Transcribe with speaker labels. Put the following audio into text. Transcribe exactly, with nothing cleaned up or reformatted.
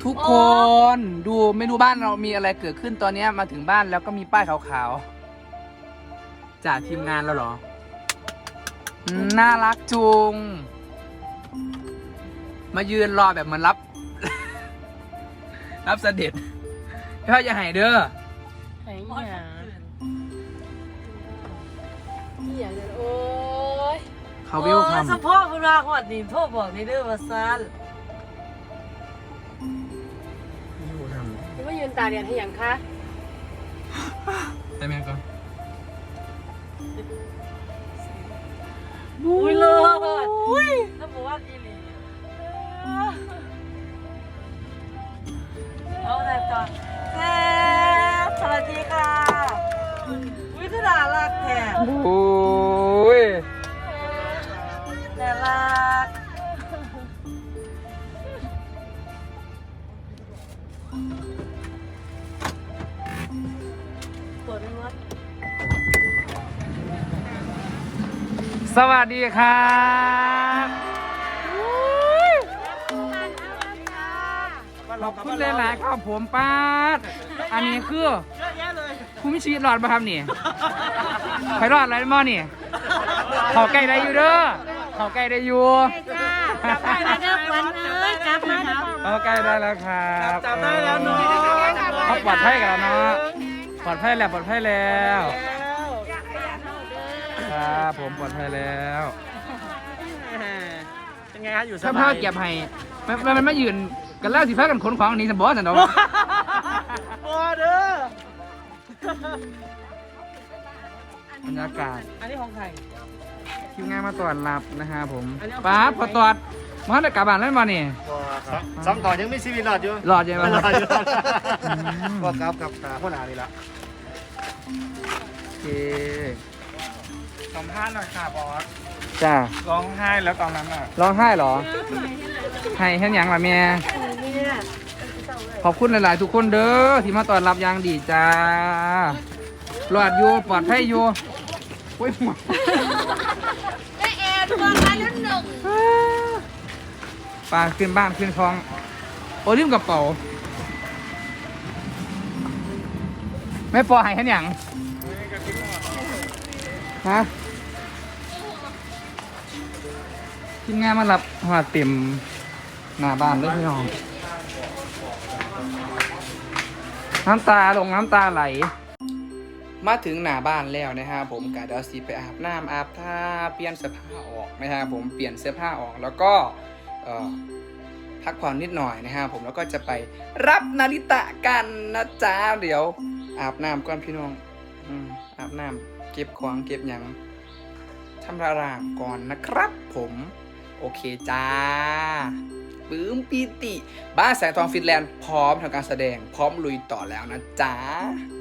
Speaker 1: ทุกคนดูไม่รู้บ้านเรามีอะไรเกิดขึ้นตอนนี้มาถึงบ้านแล้วก็มีป้ายขาวๆจากทีมงานแล้วเหรอน่ารักจุงมายืนรอแบบเหมือนรับ รับเสด็จพี่พ่ออย่าหายเด้อ
Speaker 2: ไหนอย่างนี่อย่างโอ้ย
Speaker 1: เขาวิวคำ
Speaker 3: เฉพาะเวลาหอดนี่โทษบอกในเรื่องว่าซัน
Speaker 2: นี่ว่ายืนตาเรียนให้อย่างคะ
Speaker 1: ได้ไหมก่อน
Speaker 3: อุ้ยเลยถ้าบอกว่าอีหลีเอาแต่ก่อนเจ๊สวัสดีค่ะอุ้ยคือน่ารักแท้
Speaker 1: โอ้ย
Speaker 3: น่ารักปวดไม่มด
Speaker 1: สวัสดีครับขอบคุณหลายๆครับผมป้าดอันนี้คือคุณมีชีวิตรอดมาครับนี่ใครรอดอะไรมั่งนี่เขาใกล้ได้อยู่เด้อเขาใกล้ได้อยู่
Speaker 2: จับได้แล้วเด้อขวัญเอ้ยจับมาเด้อ
Speaker 1: เขาใกล้ได้แล้วครับ
Speaker 3: จับได้แล้วเนาะ
Speaker 1: เขาปลอดภัยกันแล้วเนาะปลอดภัยแล้วปลอดภัยแล้วครับผมปลอดภัยแล้ว
Speaker 3: เป็นไงครับอยู่ส
Speaker 1: ถ้า
Speaker 3: บา
Speaker 1: พ่อย เก็บให้มันมันมันไม่ยืนกันแล้วสิพากันขนของหนี้สมบอสันดอก
Speaker 3: บอเด้อบ
Speaker 1: รรยากาศ
Speaker 3: อันนี้ของใคร
Speaker 1: คิวงานมาตรวจรับนะฮะผม
Speaker 3: อันนี้เอา
Speaker 1: ป้าพอตรวจมาได้กลับบ้านแล้วมาเนี่ย
Speaker 4: สองต่อยังมีชีวิตรอดอยู่
Speaker 1: รอดยังไง
Speaker 4: รอดอยู่
Speaker 1: อืม
Speaker 4: ก็ครับกับตาพ่อหนานี่ละ
Speaker 1: โอเค
Speaker 4: สัมภาษณ์หน่อยค่ะบอส
Speaker 1: จ้า
Speaker 4: ร้องไห้แล้วตอนนั้นอ่ะ
Speaker 1: ร้องไห้เหรอให้เห็นอย่างละแม่ขอบคุณหลาย ๆ ทุกคนเด้อที่มาต้อนรับอย่างดีจ้ารอดอยู่ปลอดภัยอยู่โอ้ยหัว
Speaker 2: ได้แอร์ดวงละรุ่นหนึ่ง
Speaker 1: ปลาขึ้นบ้านขึ้นคลองโอ้ลืมกระเป๋าไม่ปล่อยให้อย่างฮะทีมงานมารับหัวเต็มหน้าบ้านเลยพี่น้องน้ำตาลงน้ำตาไหล มาถึงหน้าบ้านแล้วนะฮะผมกะเดี๋ยวสิไปอาบน้ำอาบท่าเปลี่ยนเสื้อผ้าออกนะฮะผมเปลี่ยนเสื้อผ้าออกแล้วก็เอ่อพักผ่อนนิดหน่อยนะฮะผมแล้วก็จะไปรับนาริตะกันนะจ๊ะเดี๋ยวอาบน้ำก่อนพี่น้องอืมอาบน้ำเก็บของเก็บหยังทำระรางก่อนนะครับผมโอเคจ้าปื้มปีติบ้านแสงทองฟินแลนด์พร้อมทำการแสดงพร้อมลุยต่อแล้วนะจ๊ะ